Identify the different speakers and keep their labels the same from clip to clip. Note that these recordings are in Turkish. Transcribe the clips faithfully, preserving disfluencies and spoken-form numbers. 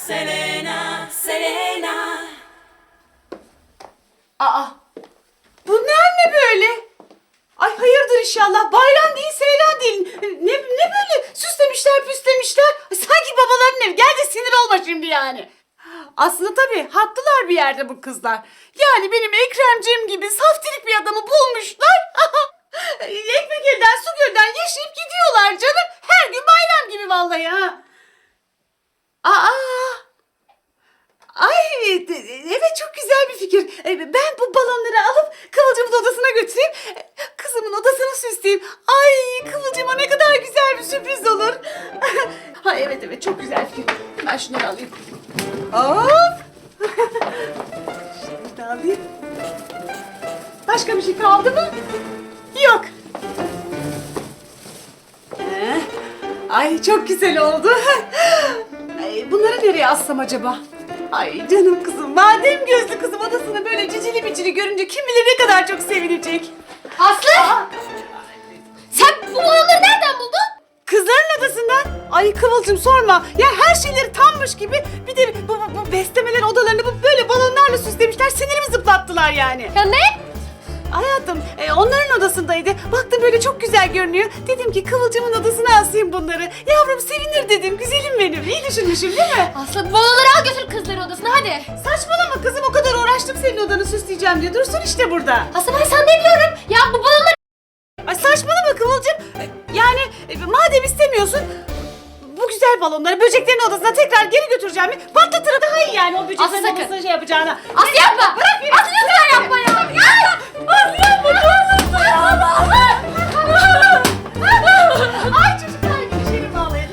Speaker 1: Selena, Selena.
Speaker 2: Aa, bunlar ne böyle? Ay hayırdır inşallah. Bayram değil, seyran değil. Ne, ne böyle süslemişler püslemişler. Ay, sanki babaların evi. Gel de sinir olma şimdi yani. Aslında tabii haklılar bir yerde bu kızlar. Yani benim Ekremciğim gibi saftirik bir adamı bulmuşlar. Ekmek elden su gölden yaşayıp gidiyorlar canım. Her gün bayram gibi vallahi ha. Aa! Ay evet çok güzel bir fikir. Ben bu balonları alıp Kıvılcım'ın odasına götüreyim. Kızımın odasını süsleyeyim. Ay Kıvılcım'a ne kadar güzel bir sürpriz olur. Ha evet evet çok güzel fikir. Ben şunları alayım. Hop. Şunları da alayım. Başka bir şey kaldı mı? Yok. Ee, ay çok güzel oldu. Ay, bunları nereye assam acaba? Ay canım kızım, madem gözlü kızım odasını böyle cicili bicili görünce kim bilir ne kadar çok sevinecek.
Speaker 3: Aslı!
Speaker 2: Aa,
Speaker 3: Sen bu balonları nereden buldun?
Speaker 2: kızların odasından. Ay Kıvılcım sorma. Ya her şeyleri tammış gibi bir de bu, bu, bu beslemelerin odalarını bu böyle balonlarla süslemişler. Sinirimi zıplattılar yani.
Speaker 3: Ya ne?
Speaker 2: Hayatım e, onların odasındaydı. Baktım böyle çok güzel görünüyor. Dedim ki Kıvılcım'ın odasına asayım bunları. Yavrum sevinir dedim. Güzelim benim. İyi düşünmüşüm değil mi?
Speaker 3: Aslı bu balonları al götür kızların odasına hadi.
Speaker 2: Saçmalama kızım, o kadar uğraştım senin odanı süsleyeceğim diye. Dursun işte burada.
Speaker 3: Aslı ben sana demiyorum. Ya bu balonları...
Speaker 2: Ay saçmalama Kıvılcım. E, Yani e, madem istemiyorsun bu güzel balonları böceklerin odasına tekrar geri götüreceğim. Patlatırım daha iyi yani o böceklerin
Speaker 3: Aslı sakın.
Speaker 2: odasına şey yapacağına.
Speaker 3: Aslı yapma. Bırak beni. Aslı lütfen yapma ya. Ya.
Speaker 2: Aslı yapma ne olursun ya. Ay çocuklar gülüşelim ağlayın.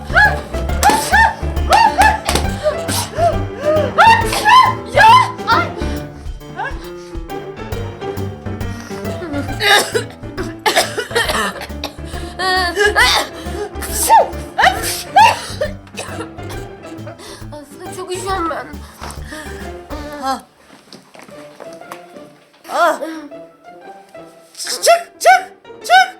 Speaker 3: Ya. Ay. Aslı çok üşüyorum ben.
Speaker 2: Ah. Çık çık çık.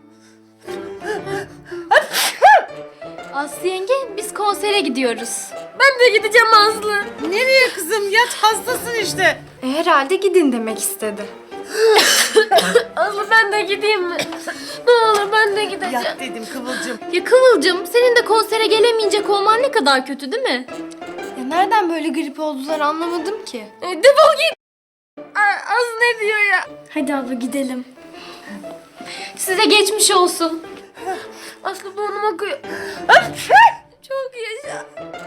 Speaker 3: Aslı yenge biz konsere gidiyoruz. Ben de gideceğim Aslı.
Speaker 2: Nereye kızım, yat hastasın işte.
Speaker 3: E, herhalde gidin demek istedi. Aslı ben de gideyim mi? Ne olur ben de gideceğim.
Speaker 2: Yat dedim Kıvılcım.
Speaker 3: Ya Kıvılcım senin de konsere gelemeyecek olman ne kadar kötü değil mi? Ya nereden böyle grip oldular anlamadım ki. E, defol git. Az ne diyor ya? Hadi abla gidelim. Size geçmiş olsun. Aslı burnum akıyor. Çok yaşa.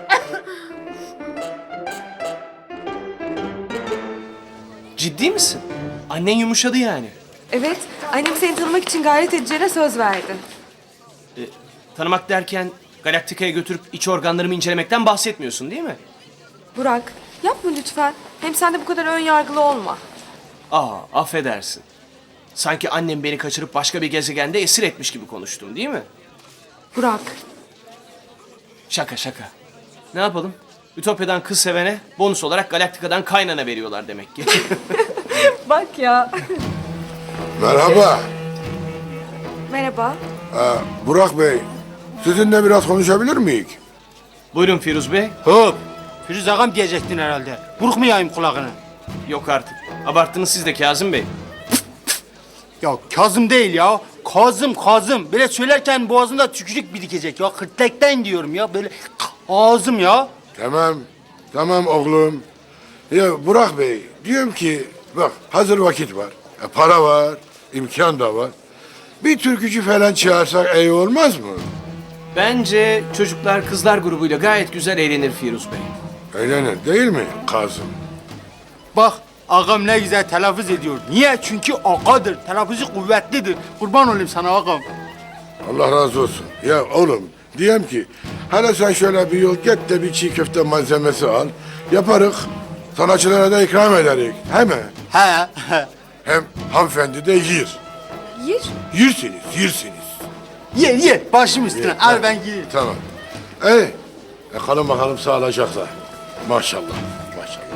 Speaker 4: Ciddi misin? Annen yumuşadı yani.
Speaker 5: Evet, annem seni tanımak için gayret edeceğine söz verdi.
Speaker 4: E, tanımak derken Galaktika'ya götürüp iç organlarımı incelemekten bahsetmiyorsun değil mi?
Speaker 5: Burak, yapma lütfen. Hem sen de bu kadar ön yargılı olma.
Speaker 4: Aa, affedersin. Sanki annem beni kaçırıp başka bir gezegende esir etmiş gibi konuştun değil mi?
Speaker 5: Burak,
Speaker 4: Şaka şaka. Ne yapalım? Ütopya'dan kız sevene bonus olarak Galaktika'dan kaynana veriyorlar demek ki.
Speaker 5: bak ya.
Speaker 6: Merhaba.
Speaker 5: Merhaba.
Speaker 6: Ee, Burak Bey, sizinle biraz konuşabilir miyiz?
Speaker 4: Buyurun Firuz Bey.
Speaker 7: Hop! Firuz ağam diyecektin herhalde. Burkmayayım kulağını.
Speaker 4: Yok artık. Abarttınız siz de Kazım Bey.
Speaker 7: Ya Kazım değil ya. Kazım, Kazım. Böyle söylerken boğazında tükürük birikecek ya. Hırtlekten diyorum ya. Böyle ağzım ya.
Speaker 6: Tamam, tamam oğlum. Ya Burak Bey, diyorum ki bak hazır vakit var. E, para var, imkan da var. Bir türkücü falan çağırsak iyi olmaz mı?
Speaker 4: Bence çocuklar kızlar grubuyla gayet güzel eğlenir Firuz Bey.
Speaker 6: Eğlenir değil mi Kazım?
Speaker 7: Bak ağam ne güzel telaffuz ediyor. Niye? Çünkü ağadır. Telaffuzu kuvvetlidir. Kurban olayım sana ağam.
Speaker 6: Allah razı olsun. Ya oğlum, diyeyim ki hele sen şöyle bir yol git de bir çiğ köfte malzemesi al. Yaparız, sanatçılara da ikram ederiz. He mi?
Speaker 7: He.
Speaker 6: Hem hanımefendi de yiyir.
Speaker 5: Yir.
Speaker 6: Yirsiniz, yirsiniz.
Speaker 7: ye ye. Başım üstüne.
Speaker 6: Ye,
Speaker 7: Al
Speaker 6: tamam.
Speaker 7: ben gideyim.
Speaker 6: Tamam. Ey, e, kalın bakalım sağlıcakla. Maşallah, maşallah.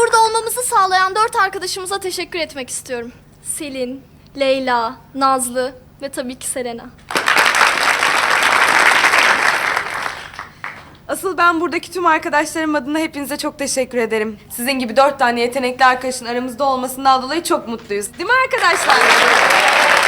Speaker 3: burada olmamızı sağlayan dört arkadaşımıza teşekkür etmek istiyorum. Selin, Leyla, Nazlı ve tabii ki Selena.
Speaker 5: Asıl ben buradaki tüm arkadaşlarım adına hepinize çok teşekkür ederim. Sizin gibi dört tane yetenekli arkadaşın aramızda olmasından dolayı çok mutluyuz. Değil mi arkadaşlar?